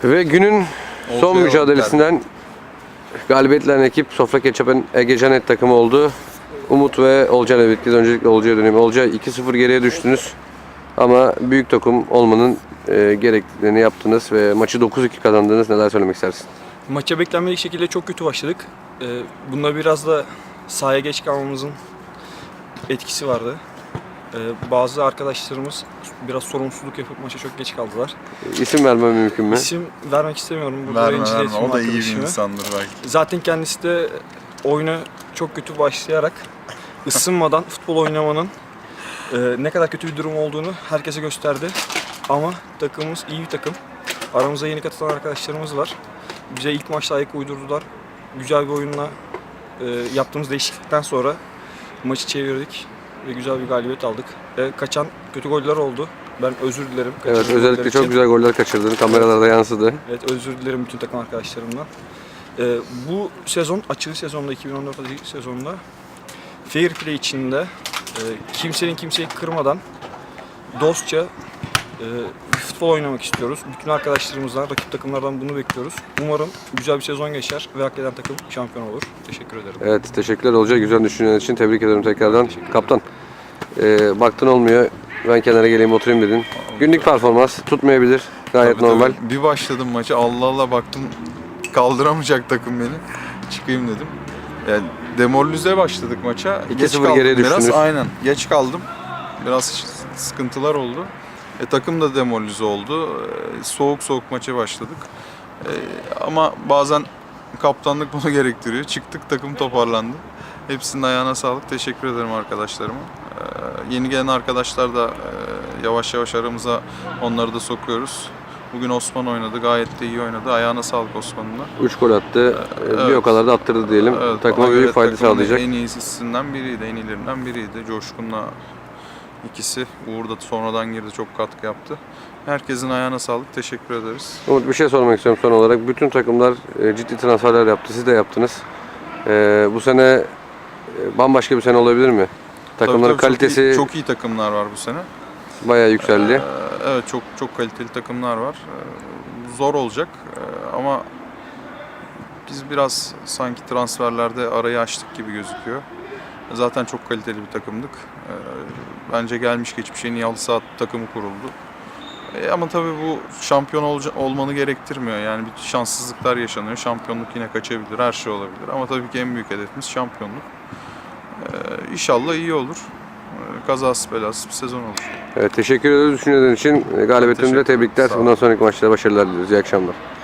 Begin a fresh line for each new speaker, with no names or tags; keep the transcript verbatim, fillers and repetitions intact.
Ve günün son
Olcay
mücadelesinden galibiyetlerin ekip Sofra Ketçap'ın Egecanet takımı oldu. Umut ve Olcay'la birlikte öncelikle Olcay'a döneyim. Olcay iki sıfır geriye düştünüz. Ama büyük takım olmanın e, gerektiğini yaptınız ve maçı dokuz iki kazandınız. Neler söylemek istersin?
Maça beklenmedik şekilde çok kötü başladık. Ee, bunda biraz da sahaya geç kalmamızın etkisi vardı. Ee, bazı arkadaşlarımız biraz sorumsuzluk yapıp maça çok geç kaldılar.
İsim vermem mümkün mü?
İsim vermek istemiyorum. Burada
Verme
rencide
verme,
etmeyeyim
o da iyi bir
arkadaşımı.
insandır belki.
Zaten kendisi de oyuna çok kötü başlayarak ısınmadan futbol oynamanın e, ne kadar kötü bir durum olduğunu herkese gösterdi. Ama takımımız iyi bir takım. Aramıza yeni katılan arkadaşlarımız var. Bize ilk maçta ayak uydurdular. Güzel bir oyunla e, yaptığımız değişiklikten sonra maçı çevirdik ve güzel bir galibiyet aldık. E, kaçan kötü goller oldu. Ben özür dilerim.
Evet,
kaçırdığım
özellikle
goller
çok
için.
güzel goller kaçırdın. Kameralarda yansıdı.
Evet, özür dilerim bütün takım arkadaşlarımdan. Ee, bu sezon, açılı sezonda, iki bin on dört açılı sezonda fair play içinde e, kimsenin kimseyi kırmadan dostça e, futbol oynamak istiyoruz. Bütün arkadaşlarımızdan, rakip takımlardan bunu bekliyoruz. Umarım güzel bir sezon geçer ve hak eden takım şampiyon olur. Teşekkür ederim.
Evet, teşekkürler Olcay. Güzel düşünceler için tebrik ederim tekrardan. Kaptan, e, baktın olmuyor. Ben kenara geleyim oturayım dedin. Günlük performans tutmayabilir. Gayet
Tabii,
normal.
tabii. Bir başladım maçı, Allah Allah baktım kaldıramayacak takım beni. Çıkayım dedim. Yani demoralize başladık maça.
iki
Geç
sıfır
kaldım
geriye
biraz.
düştünüz.
Aynen. Geç kaldım. Biraz sıkıntılar oldu. E, takım da demoralize oldu. E, soğuk soğuk maça başladık. E, ama bazen kaptanlık bunu gerektiriyor. Çıktık, takım toparlandı. Hepsinin ayağına sağlık. Teşekkür ederim arkadaşlarıma. E, yeni gelen arkadaşlar da e, yavaş yavaş aramıza onları da sokuyoruz. Bugün Osman oynadı. Gayet de iyi oynadı. Ayağına sağlık Osman'ın da.
üç gol attı.
Evet.
Bir o kadar da attırdı diyelim.
Evet,
Takıma
bana
büyük
göre
fayda
takımın
sağlayacak.
En iyisinden biriydi, en iyilerinden biriydi. Coşkun'la ikisi. Uğur da sonradan girdi, çok katkı yaptı. Herkesin ayağına sağlık, teşekkür ederiz.
Umut, bir şey sormak istiyorum son olarak. Bütün takımlar e, ciddi transferler yaptı. Siz de yaptınız. E, bu sene e, bambaşka bir sene olabilir mi? Takımların
Tabii, tabii,
kalitesi
çok iyi, çok iyi takımlar var bu sene.
bayağı yükseldi.
Ee, evet, çok çok kaliteli takımlar var. Ee, zor olacak ee, ama biz biraz sanki transferlerde arayı açtık gibi gözüküyor. Zaten çok kaliteli bir takımdık. Ee, bence gelmiş geçmiş en iyi halı saha takımı kuruldu. Ee, ama tabii bu şampiyon olca- olmanı gerektirmiyor. Yani bir şanssızlıklar yaşanıyor. Şampiyonluk yine kaçabilir, her şey olabilir. Ama tabii ki en büyük hedefimiz şampiyonluk. Ee, İnşallah iyi olur. Ee, kazasız belasız bir sezon olur.
Evet, teşekkür ederiz düşüncelerin için. Galibiyetinde
Teşekkür ederim.
tebrikler.
Sağ olun.
Bundan sonraki maçlarda başarılar diliyoruz. İyi akşamlar.